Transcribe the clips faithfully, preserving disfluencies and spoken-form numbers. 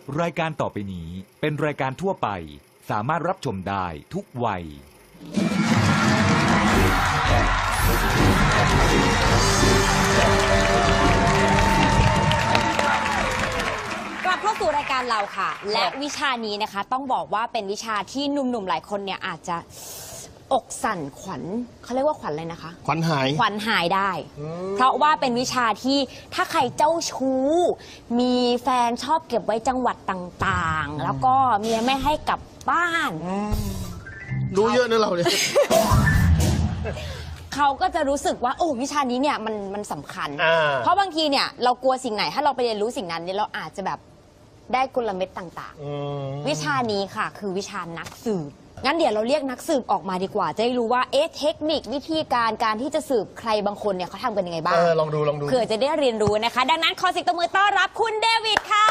รายการต่อไปนี้เป็นรายการทั่วไปสามารถรับชมได้ทุกวัยกลับเข้าสู่รายการเราค่ะและวิชานี้นะคะต้องบอกว่าเป็นวิชาที่หนุ่มๆหลายคนเนี่ยอาจจะอกสั่นขวัญเขาเรียกว่าขวัญอะไรนะคะขวัญหายขวัญหายได้เพราะว่าเป็นวิชาที่ถ้าใครเจ้าชู้มีแฟนชอบเก็บไว้จังหวัดต่างๆแล้วก็เมียไม่ให้กลับบ้านรู้เยอะนะเราเนี่ยเขาก็จะรู้สึกว่าโอ้วิชานี้เนี่ยมันมันสำคัญเพราะบางทีเนี่ยเรากลัวสิ่งไหนถ้าเราไปเรียนรู้สิ่งนั้นเนี่ยเราอาจจะแบบได้กลเม็ดต่างๆวิชานี้ค่ะคือวิชานักสืบงั้นเดี๋ยวเราเรียกนักสืบออกมาดีกว่าจะได้รู้ว่าเอ๊ะเทคนิควิธีการการที่จะสืบใครบางคนเนี่ยเขาทำกันยังไงบ้างเออลองดูลองดูเผื่อจะได้เรียนรู้นะคะดังนั้นขอเสียงตบมือต้อนรับคุณเดวิดค่ะ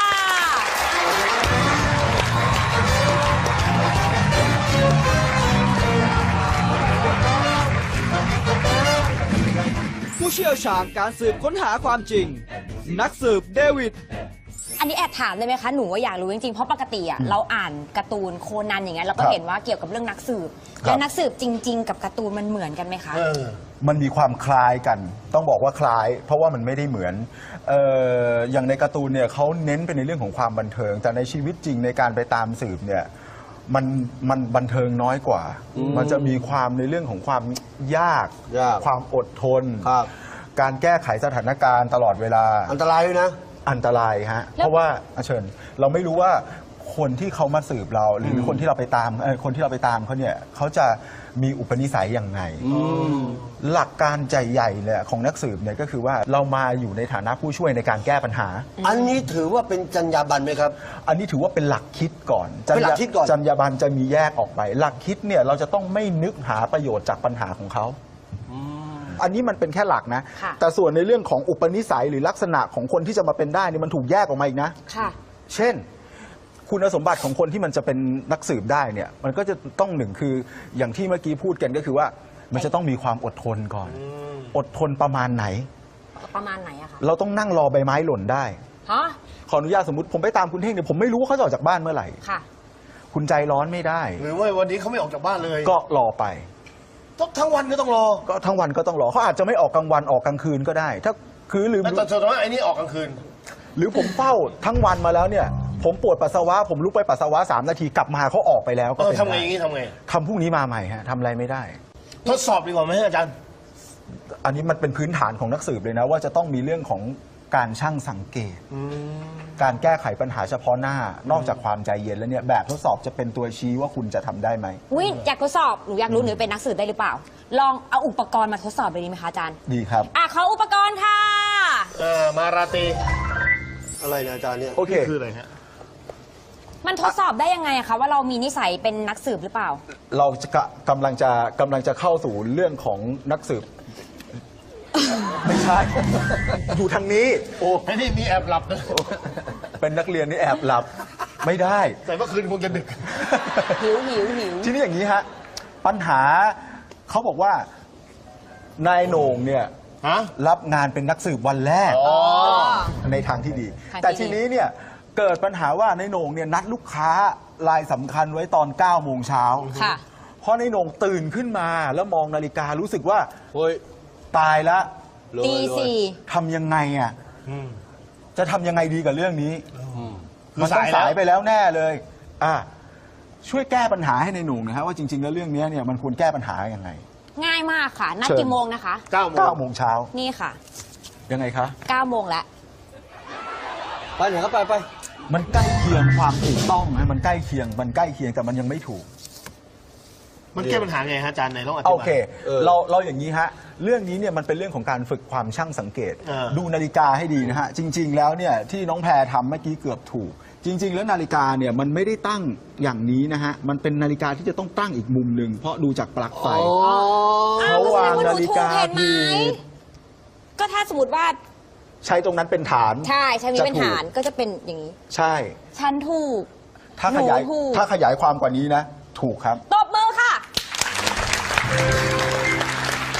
ผู้เชี่ยวชาญการสืบค้นหาความจริงนักสืบเดวิดอันนี้แอบถามได้ไหมคะหนูว่าอยากรู้จริงๆเพราะปกติอ่ะเราอ่านการ์ตูนโคนันอย่างเงี้ยเราก็เห็นว่าเกี่ยวกับเรื่องนักสืบแล้วนักสืบจริงๆกับการ์ตูนมันเหมือนกันไหมคะมันมีความคล้ายกันต้องบอกว่าคล้ายเพราะว่ามันไม่ได้เหมือนเอ่ออย่างในการ์ตูนเนี่ยเขาเน้นไปในเรื่องของความบันเทิงแต่ในชีวิตจริงในการไปตามสืบเนี่ยมันมันบันเทิงน้อยกว่ามันจะมีความในเรื่องของความยากความอดทนการแก้ไขสถานการณ์ตลอดเวลาอันตรายด้วยนะอันตรายฮะเพราะว่าเชิญเราไม่รู้ว่าคนที่เขามาสืบเราหรือคนที่เราไปตามคนที่เราไปตามเขาเนี่ยเขาจะมีอุปนิสัยยังไงหลักการใจใหญ่เลยของนักสืบเนี่ยก็คือว่าเรามาอยู่ในฐานะผู้ช่วยในการแก้ปัญหาอันนี้ถือว่าเป็นจรรยาบรรณไหมครับอันนี้ถือว่าเป็นหลักคิดก่อนเป็นหลักคิดก่อนจรรยาบรรณจะมีแยกออกไปหลักคิดเนี่ยเราจะต้องไม่นึกหาประโยชน์จากปัญหาของเขาอันนี้มันเป็นแค่หลักนะแต่ส่วนในเรื่องของอุปนิสัยหรือลักษณะของคนที่จะมาเป็นได้นี่มันถูกแยกออกมาอีกนะเช่นคุณสมบัติของคนที่มันจะเป็นนักสืบได้เนี่ยมันก็จะต้องหนึ่งคืออย่างที่เมื่อกี้พูดกันก็คือว่ามันจะต้องมีความอดทนก่อนอดทนประมาณไหนประมาณไหนอะคะเราต้องนั่งรอใบไม้หล่นได้ฮะขออนุญาตสมมติผมไปตามคุณเท่งเนี่ยผมไม่รู้ว่าเขาจะออกจากบ้านเมื่อไหร่ค่ะคุณใจร้อนไม่ได้หรือว่าวันนี้เขาไม่ออกจากบ้านเลยก็รอไปทั้งวันก็ต้องรอก็ทั้งวันก็ต้องรอเขาอาจจะไม่ออกกลางวันออกกลางคืนก็ได้ถ้าคือหรือแต่สมมติว่าไอ้นี่ออกกลางคืนหรือผมเฝ้าทั้งวันมาแล้วเนี่ยผมปวดปัสสาวะผมลุกไปปัสสาวะสามนาทีกลับมาเขาออกไปแล้วก็เป็นทำไงอย่างนี้ทำไงทำพรุ่งนี้มาใหม่ฮะทำอะไรไม่ได้ทดสอบดีกว่าไหมอาจารย์อันนี้มันเป็นพื้นฐานของนักสืบเลยนะว่าจะต้องมีเรื่องของการช่างสังเกตการแก้ไขปัญหาเฉพาะหน้านอกจากความใจเย็นแล้วเนี่ยแบบทดสอบจะเป็นตัวชี้ว่าคุณจะทำได้ไหมอุ้ยอยากทดสอบหนูอยากรู้หนูเป็นนักสืบได้หรือเปล่าลองเอาอุปกรณ์มาทดสอบเลยดีไหมคะอาจารย์ดีครับอ่ะขออุปกรณ์ค่ะเออมาราตีอะไรนะอาจารย์เนี่ยโอเคคืออะไรฮะมันทดสอบได้ยังไงอะคะว่าเรามีนิสัยเป็นนักสืบหรือเปล่าเราจะกำลังจะกำลังจะเข้าสู่เรื่องของนักสืบไม่ใช่อยู่ทางนี้โอ้ไม่ได้มีแอบหลับนะเป็นนักเรียนนี่แอบหลับไม่ได้แต่เมื่อคืนคงจะดึกหิวหิวหิวทีนี้อย่างนี้ฮะปัญหาเขาบอกว่านายโหน่งเนี่ยรับงานเป็นนักสืบวันแรกในทางที่ดีแต่ทีนี้เนี่ยเกิดปัญหาว่านายโหน่งเนี่ยนัดลูกค้ารายสำคัญไว้ตอนเก้าโมงเช้าเพราะนายโหน่งตื่นขึ้นมาแล้วมองนาฬิการู้สึกว่าเฮ้ยตายละตีสี่ทำยังไงอ่ะจะทำยังไงดีกับเรื่องนี้มันต้องสายไปแล้วแน่เลยอ่ะช่วยแก้ปัญหาให้ในหนุ่มนะครับว่าจริงๆแล้วเรื่องนี้เนี่ยมันควรแก้ปัญหายังไงง่ายมากค่ะนัดกี่โมงนะคะเก้าโมงเช้านี่ค่ะยังไงคะเก้าโมงแล้วไปไหนก็ไปไปมันใกล้เคียงความถูกต้องนะมันใกล้เคียงมันใกล้เคียงแต่มันยังไม่ถูกมันแก้ปัญหาไงฮะอาจารย์ไหนลองอธิบายโอเคเราเราอย่างนี้ฮะเรื่องนี้เนี่ยมันเป็นเรื่องของการฝึกความช่างสังเกตดูนาฬิกาให้ดีนะฮะจริงๆแล้วเนี่ยที่น้องแพรทำเมื่อกี้เกือบถูกจริงๆแล้วนาฬิกาเนี่ยมันไม่ได้ตั้งอย่างนี้นะฮะมันเป็นนาฬิกาที่จะต้องตั้งอีกมุมหนึ่งเพราะดูจากปลั๊กไฟเขาวางนาฬิกาผิดก็ถ้าสมมติว่าใช้ตรงนั้นเป็นฐานใช่ใช้นี้เป็นฐานก็จะเป็นอย่างนี้ใช่ฉันถูกถ้าขยายถ้าขยายความกว่านี้นะถูกครับตบมือค่ะ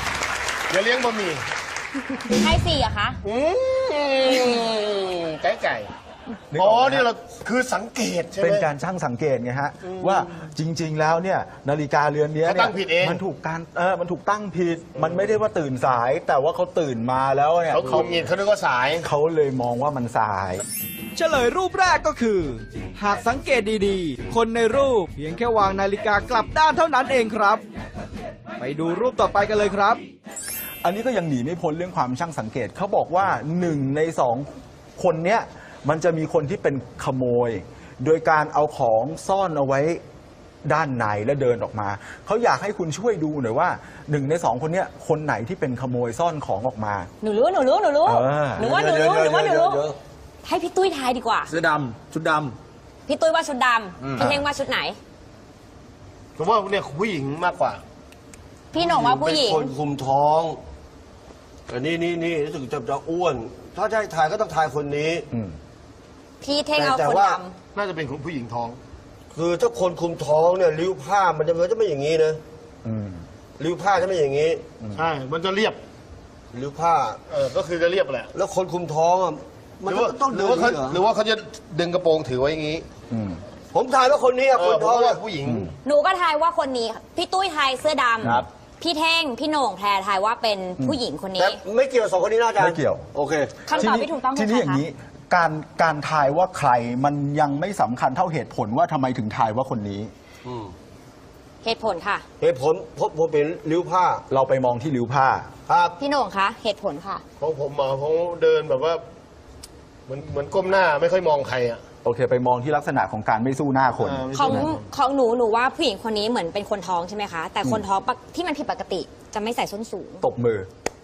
อย่าเลี้ยงบะหมี่ให้สี่อะคะไก่ไก่นึกอ๋อออกไหมนี่เราคือสังเกตใช่ไหมเป็นการช่างสังเกตไงฮะว่าจริง ๆ แล้วเนี่ยนาฬิกาเรือนเนี้ยเขาเนี่ตั้ยงผิดเองมันถูกการเออมันถูกตั้งผิด มันไม่ได้ว่าตื่นสาย แต่ว่าเขาตื่นมาแล้วเนี่ยเขาคุมเงินเขานึกว่าสายเขาเลยมองว่ามันสายเฉลยรูปแรกก็คือ หากสังเกตดีๆ คนในรูปเพียงแค่วางนาฬิกากลับด้านเท่านั้นเองครับ ไปดูรูปต่อไปกันเลยครับอันนี้ก็ยังหนีไม่พ้นเรื่องความช่างสังเกตเขาบอกว่าหนึ่งในสองคนเนี้ยมันจะมีคนที่เป็นขโมย โดยการเอาของซ่อนเอาไว้ด้านในและเดินออกมาเขาอยากให้คุณช่วยดูหน่อยว่าหนึ่งในสองคนเนี้ยคนไหนที่เป็นขโมยซ่อนของออกมาหนูรู้หนูรู้หนูรู้เออหนูว่าหนูรู้หนูว่าหนูรู้ให้พี่ตุ้ยทายดีกว่าเสื้อดำชุดดพี่ตุ้ยว่าชุดดำพี่เท่งว่าชุดไหนผมว่าเนี่ยผู้หญิงมากกว่าพี่หน่งว่าผู้หญิงเป็นคนคุมท้องแต่นี่นี่นี่รู้สึกจะจะอ้วน ถ้าจะให้ถ่ายก็ต้องถ่ายคนนี้อืมพี่เท่งเอาแต่คนว่าดน่าจะเป็นคนผู้หญิงท้องคือถ้าคนคุมท้องเนี่ยริ้วผ้ามันจะมันจะไม่อย่างนี้นะอืมริ้วผ้าจะไม่อย่างนี้ใช่ มันจะเรียบริ้วผ้าเออ ก็คือจะเรียบแหละแล้วคนคุมท้องอ่ะมันหรือว่าต้องหเดิรือน ว่าเขาเหรอหรือว่าเขาจะดึงกระโปรงถือไว้อย่างนี้อืมผมถ่ายว่าคนนี้อ่ะเอคอน ผมท้องว่าอ่ะผู้หญิงำหนูก็ทายว่าคนนี้ พี่ตุ้ยทายเสื้อดครับำพี่เท่งพี่โหน่งแพรทายว่าเป็นผู้หญิงคนแต่นี้ไม่เกี่ยวกับสองคนนี้นะอาจารย์ไม่เกี่ยวโอเคคำตอบที่ถูกต้องทีคือนี้ใครอย่างคะนี้การการทายว่าใครมันยังไม่สำคัญเท่าเหตุผลว่าทำไมถึงทายว่าคนนี้อืมเหตุผลค่ะเหตุผลพบผมเป็นริ้วผ้าเราไปมองที่ริ้วผ้าครับพี่โหน่งคะเหตุผลค่ะของผมอ่ะเขาเดินแบบว่า เหมือนเหมือนก้มหน้าไม่ค่อยมองใครอ่ะโอเค ไปมองที่ลักษณะของการไม่สู้หน้าคนเออไม่ของใช่ของหนูหนูว่าผู้หญิงคนนี้เหมือนเป็นคนท้องใช่ไหมคะ แต่คนท้องปกที่มันผิดปกติจะไม่ใส่ส้นสูงตบมือ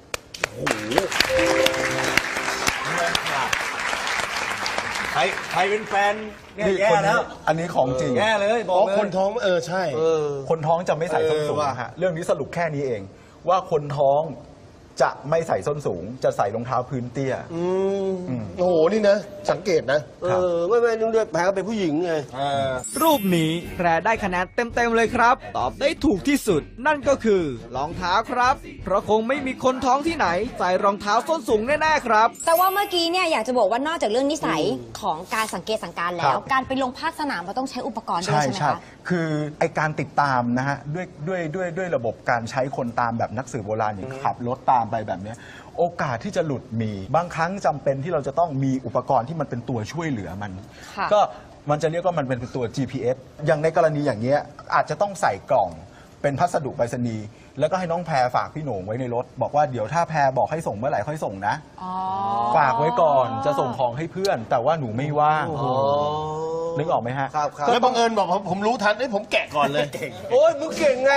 ใครใครเป็นแฟนเนี่ยนี่แย่คนแล้นี้วอันนี้ของจริงแย่เลยบอ๋ออกเลยคนท้องเออใช่เออคนท้องจะไม่ใส่ส้นสูงเออว่ะนะฮะ เรื่องนี้สรุปแค่นี้เอง ว่าคนท้องจะไม่ใส่ส้นสูง จะใส่รองเท้าพื้นเตี้ยอืมโอ้โห นี่นะ สังเกตนะเออไม่ไม่นึกด้วยแผลก็เป็นผู้หญิงไงรูปนี้แพรได้คะแนนเต็มๆเลยครับ ตอบได้ถูกที่สุด นั่นก็คือรองเท้าครับ เพราะคงไม่มีคนท้องที่ไหน ใส่รองเท้าส้นสูงแน่ๆครับแต่ว่าเมื่อกี้เนี่ยอยากจะบอกว่านอกจากเรื่องนิสัยของการสังเกตสังการแล้คว รับการไปลงภาคสนามเราต้องใช้อุปกรณ์ด้วยใช่ใช่ไหมใช่คะคือไอการติดตามนะฮะด้วยด้วยด้วยด้วยระบบการใช้คนตามแบบนักสืบโบราณอย่างขับรถตามไปแบบเนี้ยโอกาสที่จะหลุดมี บางครั้งจำเป็นที่เราจะต้องมีอุปกรณ์ที่มันเป็นตัวช่วยเหลือมันค่ะก็มันจะเรียกว่ามันเป็นตัว จี พี เอส อย่างในกรณีอย่างเงี้ยอาจจะต้องใส่กล่องเป็นพัสดุไปรษณีย์แล้วก็ให้น้องแพรฝากพี่โหน่งไว้ในรถ บอกว่าเดี๋ยวถ้าแพรบอกให้ส่งเมื่อไหร่ค่อยส่งนะอ๋อฝากไว้ก่อนจะส่งของให้เพื่อน แต่ว่าหนูไม่ว่างอ๋อนึกออกไหมฮะครับครับแล้วบังเอิญบอกผมผมรู้ทันเอ้ยผมแกะก่อนเลยโอ้ยมึงเก่งไง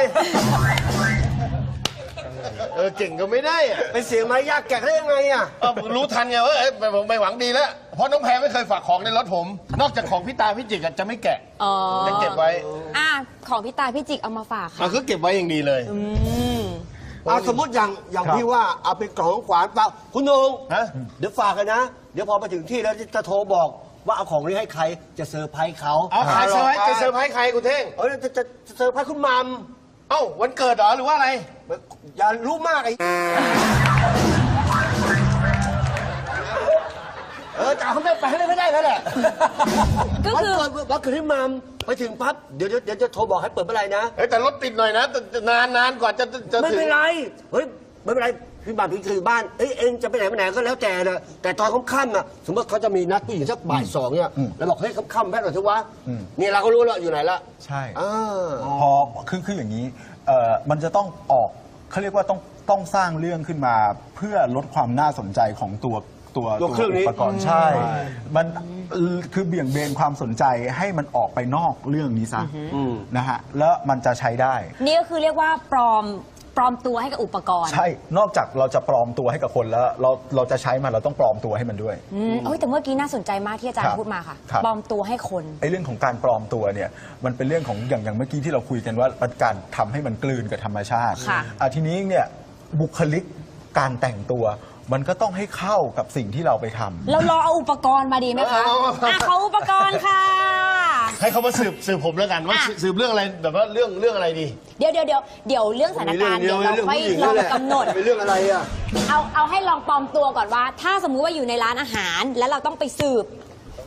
เออ เก่งก็ไม่ได้อะเป็นเสียงมารยาทแกะได้ยังไงอ่ะเออผมรู้ทันไงว่าเอ้ยผมไม่หวังดีแล้ว เพราะน้องแพรไม่เคยฝากของในรถผม นอกจากของพี่ตาพี่จิกอะจะไม่แกะอ๋อจะเก็บไว้อ่ะของพี่ตาพี่จิกเอามาฝากค่ะอ่ะก็เก็บไว้อย่างดีเลยอืมเอาสมมติอย่างอย่างครับที่ว่าเอาเป็นกล่องของขวานเปล่าคุณนงฮะเดี๋ยวฝากกันนะ เดี๋ยวพอไปถึงที่แล้วจะโทรบอกว่าเอาของนี้ให้ใครจะเซอร์ไพรส์เขาเอาใครเซอร์ไพรส์จะเซอร์ไพรส์ใครกูเท่งเออจะจะจะเซอร์ไพรส์คุณมัมเอ้าวันเกิดเหรอหรือว่าอะไรอย่ารู้มากไอ้เออจะเอาเขาไม่ไปให้ไม่ได้แล้วแหละก็คือวันเกิดวันเกิดที่มัมไปถึงปั๊บเดี๋ยวเดี๋ยวเดี๋ยวจะโทรบอกให้เปิดเมื่อไหร่นะเฮ้ยแต่รถติดหน่อยนะแต่แต่นานนานกว่าจะจะจะไม่ถึงเป็นไร เฮ้ย ไม่เป็นไร พี่บ้านพี่คือบ้าน เอ้ย เองจะไปไหนไปไหนก็แล้วแต่นะแต่ตอนค่ำๆอ่ะ สมมติเขาจะมีนัดผู้หญิงสักบ่ายสองเนี่ย แล้วบอกเฮ้ยค่ำๆแป๊บหน่อยเถอะวะนี่เราก็รู้แล้วอยู่ไหนละใช่อ่าพอคือคืออย่างนี้เอ่อมันจะต้องออกเขาเรียกว่าต้องต้องสร้างเรื่องขึ้นมาเพื่อลดความน่าสนใจของตัวตัวตัวเครื่องนี้อุปกรณ์ใช่ มันคือเบี่ยงเบนความสนใจให้มันออกไปนอกเรื่องนี้ซะนะฮะแล้วมันจะใช้ได้นี่ก็คือเรียกว่าปลอมปลอมตัวให้กับอุปกรณ์ใช่ นอกจากเราจะปลอมตัวให้กับคนแล้ว เราเราจะใช้มันเราต้องปลอมตัวให้มันด้วยอืมเอ้ยแต่เมื่อกี้น่าสนใจมากที่อาจารครัย์บพูดมาค่ะครับปลอมตัวให้คนไอ้เรื่องของการปลอมตัวเนี่ยมันเป็นเรื่องของอย่างอย่างเมื่อกี้ที่เราคุยกันว่ามันการทำให้มันกลืนกับธรรมชาติค่ะอ่ะทีนี้เนี่ยบุคลิกการแต่งตัว มันก็ต้องให้เข้ากับสิ่งที่เราไปทำเรารอเอาอุปกรณ์มาดีไหมคะเอาเอาเอาอ่ะขออุปกรณ์ค่ะให้เขามาสืบสืบผมแล้วกันว่าอ่ะสืบเรื่องอะไรแบบว่าเรื่องเรื่องอะไรดีเดี๋ยวเดี๋ยวเดี๋ยวเดี๋ยวเรื่องสถานการณ์เดี๋ยวเราค่อยลองกำหนดเป็นเรื่องอะไรอ่ะเอาเอาให้ลองปลอมตัวก่อนว่า ถ้าสมมุติว่าอยู่ในร้านอาหาร แล้วเราต้องไปสืบ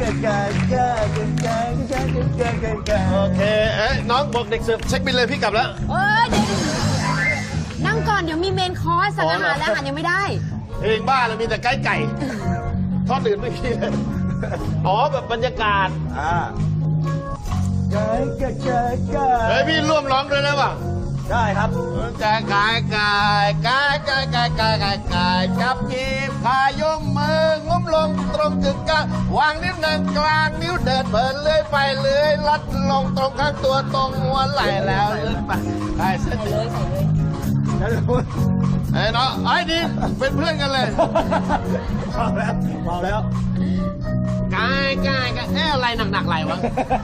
โอเคเอ้ยน้องบอกเด็กเสิร์ฟเช็คบิลเลยพี่กลับแล้วเอ้ยเดี๋ยวนั่งก่อนเดี๋ยวมีเมนคอร์สสั่งอาหารและอาหารยังไม่ได้เพลงบ้าเลยมีแต่ไก่ไก่ทอดอื่นไม่มีเลย อ๋อแบบบรรยากาศอ่าเฮ้ยพี่ร่วมร้องด้วยได้ป่ะได้ครับกายกายกายกายกายกายกายกายกายจับจีบพายมมืองุ้มลงตรงกึ่งกลางวางนิ้วนางกลางนิ้วเดินเพลินเลื่อยไปเลื่อยลัดลงตรงข้างตัวตรงหัวไหล่แล้วเลื่อนไปใส่เส้นเลยใส่เลยไอ้เนาะไอ้ดีเป็นเพื่อนกันเลยพอแล้วพอแล้วกายกายกายเอ๊ะอะไรหนักๆไหลวะ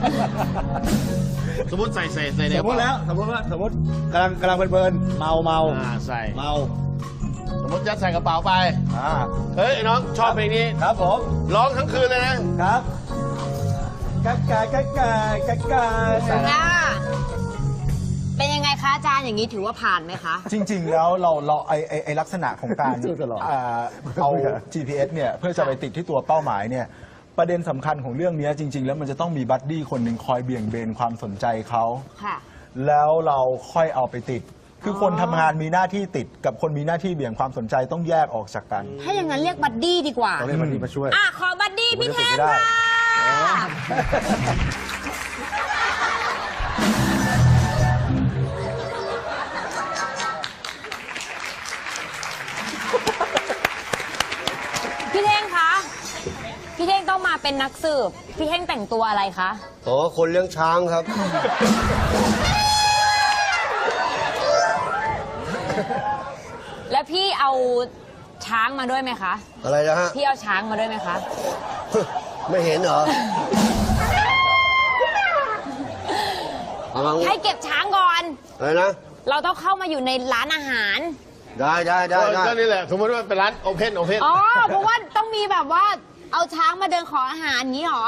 สมมติใส่ใส่ใส่ในสมมติแล้ว สมมติว่า สมมติกำลังกำลังเพลินๆเมาเมาอ่าใส่เมาสมมติยัดใส่กระเป๋าไปอ่าเฮ้ยไอ้น้องชอบเพลงนี้ครับผมร้องทั้งคืนเลยนะครับกากากากากากาอ่าเป็นยังไงคะอาจารย์อย่างนี้ถือว่าผ่านไหมคะจริง ๆ แล้วเราเราไอไอไอลักษณะของการสู้ตลอดอ่าเอา จี พี เอส เนี่ยเพื่อจะไปติดที่ตัวเป้าหมายเนี่ยประเด็นสำคัญของเรื่องนี้จริง ๆ แล้วมันจะต้องมีบัดดี้คนหนึ่งคอยเบี่ยงเบนความสนใจเขาค่ะแล้วเราค่อยเอาไปติด คือคนทำงานมีหน้าที่ติดกับคนมีหน้าที่เบี่ยงความสนใจต้องแยกออกจากกันถ้าอย่างนั้นเรียกบัดดี้ดีกว่าต้องเรียกมันดีมาช่วยอ่ะ ขอบัดดี้พี่ผมแทจะติดนไม่ได้ค่ะพี่เท่งคะ พี่เท่งต้องมาเป็นนักสืบ พี่เท่งแต่งตัวอะไรคะอ๋อคนเลี้ยงช้างครับพี่เอาช้างมาด้วยไหมคะอะไรนะฮะพี่เอาช้างมาด้วยไหมคะไม่เห็นเหรอเอามาให้เก็บช้างก่อนอะไรนะเราต้องเข้ามาอยู่ในร้านอาหารได้ได้ได้ได้ก็นี่แหละสมมติว่าเป็นร้านโอเพนโอเพนอ๋อ เพราะว่าต้องมีแบบว่าเอาช้างมาเดินขออาหารอย่างนี้หรอ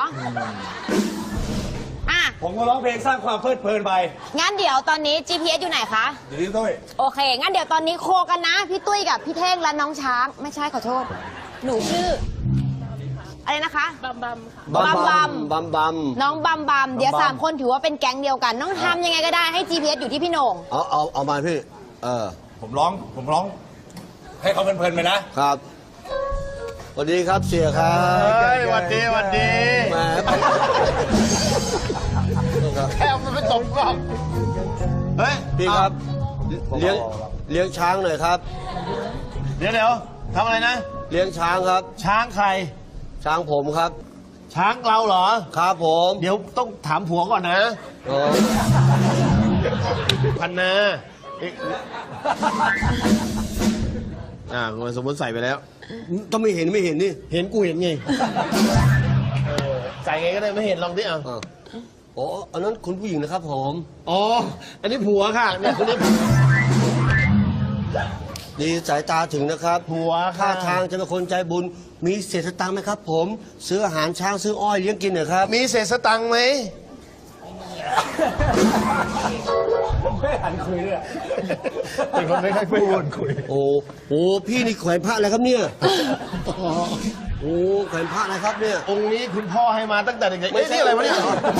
อ่ะผมก็ร้องเพลงสร้างความเพลิดเพลินไปงั้นเดี๋ยวตอนนี้ จี พี เอส อยู่ไหนคะอยู่ที่ตุ้ยโอเค งั้นเดี๋ยวตอนนี้โคกันนะ พี่ตุ้ยกับพี่เท่งและน้องช้าง ไม่ใช่ขอโทษ หนูชื่อ อะไรนะคะบัมบับัมมบัมบัมบัมน้องบัมบัม เดี๋ยวสามคนถือว่าเป็นแก๊งเดียวกัน น้องทำยังไงก็ได้ให้ จี พี เอส อยู่ที่พี่โหน่งเอาเอาเอามาพี่ เออผมร้อง ผมร้อง ให้เขาเพลินๆไปนะครับสวัสดีครับเสียครับเฮ้ยหวันดีหวันดีแหมแค่เอามันไปตบกล้องเฮ้ยพี่ครับ เลี้ยงเลี้ยงช้างหน่อยครับเดี๋ยวเดี๋ยวทำอะไรนะเลี้ยงช้างครับช้างใครช้างผมครับช้างเราเหรอครับผมเดี๋ยวต้องถามผัวก่อนนะอ๋อพันนาเอ๊ะอ่าสมมติใส่ไปแล้วต้องไม่เห็นไม่เห็นนี่เห็นกูเห็นไงเออใส่ไงก็ได้ไม่เห็นลองดิอ่ะอ่ะอ๋ออันนั้นคุณผู้หญิงนะครับผมอ๋อ อันนี้ผัวค่ะเนี่ยคนนี้ดีสายตาถึงนะครับผัวท่าค่ะทางจะเป็นคนใจบุญ มีเศษสตังค์ไหมครับ ผม ซื้ออาหารช้างซื้ออ้อยเลี้ยงกินหน่อยครับมีเศษสตังค์ไหมไม่หันคุยด้วยเป็นคนไม่ค่อยพูดคุยโอ้โหพี่นี่แขวนพระอะไรครับเนี่ยโอ้แขวนพระอะไรครับเนี่ยองค์นี้คุณพ่อให้มาตั้งแต่เด็กๆเอ้ยนี่อะไรวะเนี่ย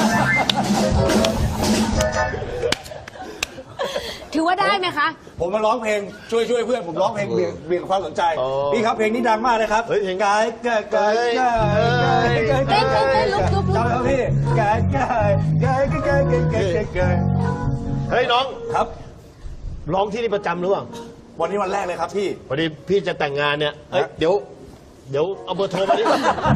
ถือว่าได้ไหมคะผมมาร้องเพลงช่วยช่วยเพื่อนผมร้องเพลงเบี่ยงเบี่ยงความสนใจ พี่ครับเพลงนี้ดังมากนะครับเฮ้ยเพลงกายกายกายกายกายเต้นเต้นเต้นลุกลุกลุกจำแล้วพี่กายกายกายกายกายกายกายกายเฮ้ยน้องครับร้องที่นี่ประจำหรือเปล่าวันนี้วันแรกเลยครับพี่พอดีพี่จะแต่งงานเนี่ย เอ้ยฮะเดี๋ยว เดี๋ยวเอาเบอร์โทรมาดิ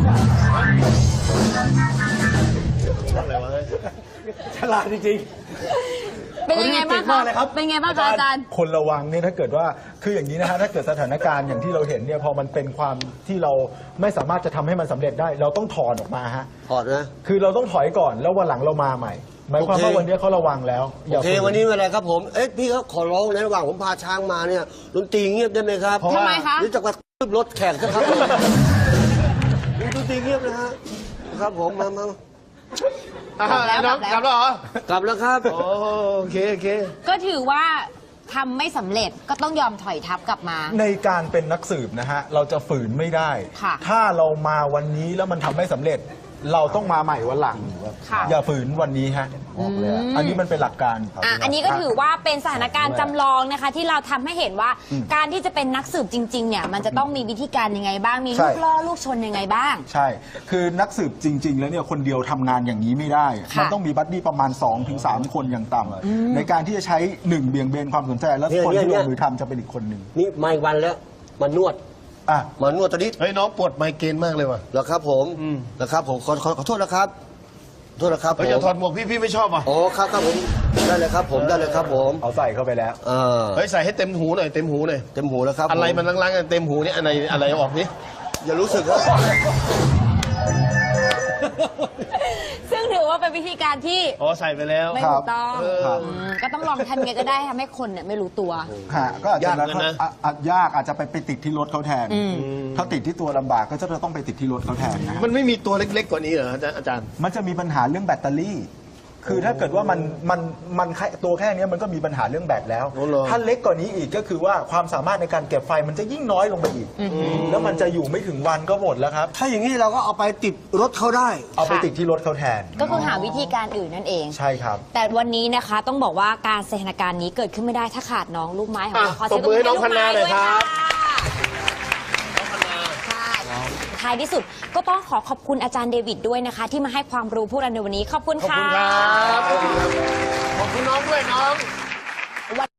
อะไรวะเฮ้ยฉลาดจริงเป็นยังไงบ้างเก่งคะมากเลยครับเป็นยังไงบ้างคะอาจารย์คนระวังเนี่ยถ้าเกิดว่าคืออย่างนี้นะฮะถ้าเกิดสถานการณ์อย่างที่เราเห็นเนี่ยพอมันเป็นความที่เราไม่สามารถจะทำให้มันสำเร็จได้ เราต้องถอนออกมาฮะถอดนะคือเราต้องถอยก่อนแล้ววันหลังเรามาใหม่หมายความว่าวันนี้เขาระวังแล้วโอเคฝืวันนี้เป็นไรครับผม เอ๊ะพี่ครับขอร้องในระหว่างผมพาช้างมาเนี่ยดนตรีเงียบได้ไหมครับเพราะว่าทำไมคะหรือจะกระตืบรถแขกนะครับดนตรีเงียบนะฮะครับผมมามาอ่ะน้องกลับแล้วเหรอกลับแล้วครับโอโอเค โอเคก็ถือว่าทำไม่สำเร็จก็ต้องยอมถอยทับกลับมาในการเป็นนักสืบนะฮะเราจะฝืนไม่ได้ค่ะถ้าเรามาวันนี้แล้วมันทำไม่สำเร็จ เราต้องมาใหม่วันหลังค่ะอย่าฝืนวันนี้ฮะอันนี้มันเป็นหลักการอ่ะอันนี้ก็ถือว่าเป็นสถานการณ์จำลองนะคะ ที่เราทำให้เห็นว่าการที่จะเป็นนักสืบจริงๆเนี่ยมันจะต้องมีวิธีการยังไงบ้างมีลูกล่อลูกชนยังไงบ้างใช่ คือนักสืบจริง ๆ แล้วเนี่ยคนเดียวทำงานอย่างนี้ไม่ได้ค่ะมันต้องมีบัดดี้ประมาณ สองถึงสาม คนอย่างต่ำในการที่จะใช้หนึ่งเบี่ยงเบนความสนใจ แล้วเนี่ยคนเนี่ยที่เนี่ลยงมือทำจะเป็นอีกคนหนึ่งนี่มาอีกวันแล้วมานวดอ่ะมานวดตอนนี้เฮ้ย น้องปวดไมเกรนมากเลยว่ะเหรอครับผมนะครับผมขอขอขอโทษนะครับขอโทษนะครับผเฮ้ยมอย่าถอดหมวกพี่พี่ไม่ชอบอ่ะโอ้ครับครับผมได้เลยครับผมได้เลยครับผมเอาใส่เข้าไปแล้วอ่าเฮ้ย ใส่ให้เต็มหูหน่อย เต็มหูหน่อยเต็มหูแล้วครับอะไรผมันล้างๆกันเต็มหูเนี่ยอะไรอะไรออกนี่อย่ารู้สึกครับซึ่งถือว่าเป็นวิธีการที่อ๋อ ใส่ไปแล้วไม่ครัถูบกต้องครับอืมก็ต้องลองทำยังไงก็ได้ทำให้คนเนี่ยไม่รู้ตัวฮะก็อาจจะยากเหมือนกันนะอ่ะอ่ะยากอาจจะไปไปติดที่รถเขาแทน ถ้าติดที่ตัวลำบากก็จะต้องไปติดที่รถเขาแทนนะฮะมันไม่มีตัวเล็กๆกว่านี้เหรออาจารย์อาจารย์มันจะมีปัญหาเรื่องแบตเตอรี่ คือถ้าเกิดว่ามันมันมันแค่ตัวแค่เนี้ยมันก็มีปัญหาเรื่องแบตแล้วโอ้เหรอถ้าเล็กกว่านี้อีกก็คือว่าความสามารถในการเก็บไฟมันจะยิ่งน้อยลงไปอีก แล้วมันจะอยู่ไม่ถึงวันก็หมดแล้วครับถ้าอย่างนี้เราก็เอาไปติดรถเขาได้เอาไปติดที่รถเขาแทนก็คือหาวิธีการอื่นนั่นเองใช่ครับแต่วันนี้นะคะต้องบอกว่าการสถานการณ์นี้เกิดขึ้นไม่ได้ถ้าขาดน้องลูกไม้ของเราอ่ะขอเสียงตบมือให้น้องลูกพันนาหน่อยครับค่ะท้ายที่สุดก็ต้องขอขอบคุณอาจารย์เดวิดด้วยนะคะ ที่มาให้ความรู้พวกเราในวันนี้ขอบคุณขอบค่ะคุณครับ ขอบคุณน้องด้วยน้อง